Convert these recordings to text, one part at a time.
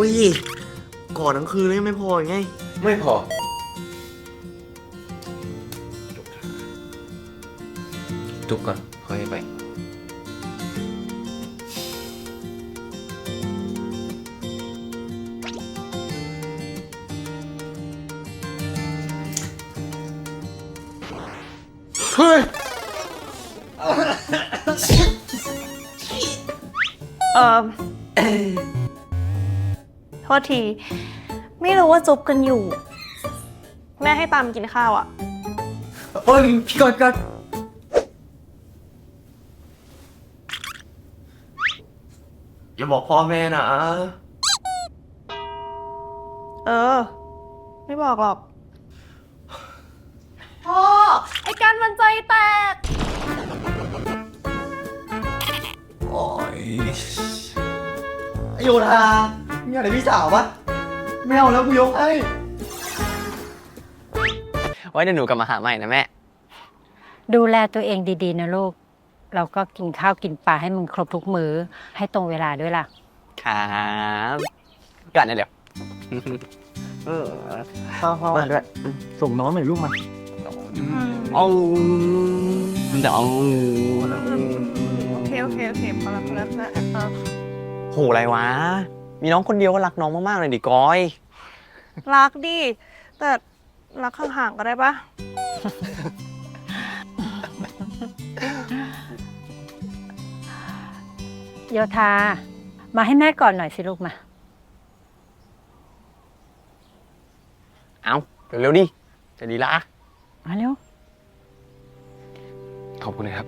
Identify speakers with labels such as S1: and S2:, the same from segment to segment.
S1: ยกอดทั้งคืนเลยไม่พอไง
S2: ไม่พอจุบก่อนค่อยไปเฮ้ย
S3: โทษที ไม่รู้ว่าจุบกันอยู่ แม่ให้ตามกินข้าวอ่ะ
S1: โอ้ยพี่กอดอย่าบอกพ่อแม่นะ
S3: ไม่บอกหรอก พ่อ ไอ้กันมันใจแตก
S1: โอ้ยโยธามีอะไรพี่สาวปะไม่เอาแล้วกูยกให้
S4: ไว้เดี๋ยวหนูกลับมาหาใหม่นะแม่
S5: ดูแลตัวเองดีๆนะลูก เราก็กินข้าวกินปลาให้มึงครบทุกมื้อให้ตรงเวลาด้วยล่ะ
S4: ครับก่อนนะเดี๋ยว
S1: พ่อมาด้วยส่งน้องหน่อยลูกมา
S4: เอาเดี๋ยว
S3: โอเคพอแล้วนะ
S4: โหอะไรวะ มีน้องคนเดียวก็รักน้องมากๆเลยดิก้อย
S3: รักดิ แต่รักห่างๆก็ได้ปะ
S5: โยธา มาให้แม่ก่อนหน่อยสิลูกมา
S4: เอาเร็วๆดิ จะดีละ
S5: มาเร็ว
S2: ขอบคุณนะครับ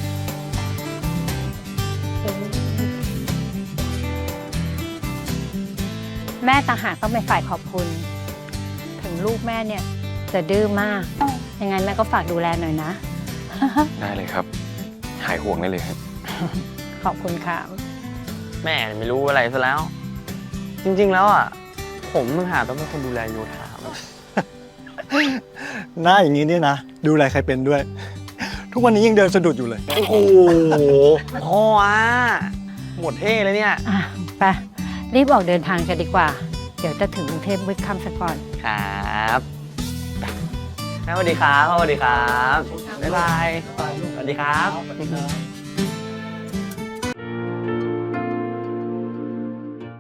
S5: แม่ต่างหากต้องเป็นฝ่ายขอบคุณ ถึงลูกแม่เนี่ยจะดื้อมาก ยังไงแม่ก็ฝากดูแลหน่อยนะ
S2: ได้เลยครับ หายห่วงได้เลยครับ
S5: ขอบคุณค่ะ
S4: แม่ไม่รู้อะไรซะแล้ว จริงๆแล้วอ่ะ ผมมึงหาต้องเป็นคนดูแลโยธา
S6: หน้าอย่างนี้เนี่ยนะ ดูแลใครเป็นด้วย ทุกวันนี้ยังเดินสะดุดอยู่เลย
S4: โอ้โหพ่ออ่ะหมดเท่เลยเนี่ย
S5: อ่ะไปรีบออกเดินทางกันดีกว่า เดี๋ยวจะถึงกรุงเทพมืดค่ำซะก่อน
S4: ครับแม่สวัสดีครับพ่อสวัสดีครับ บ๊ายบาย สวัสดีครับ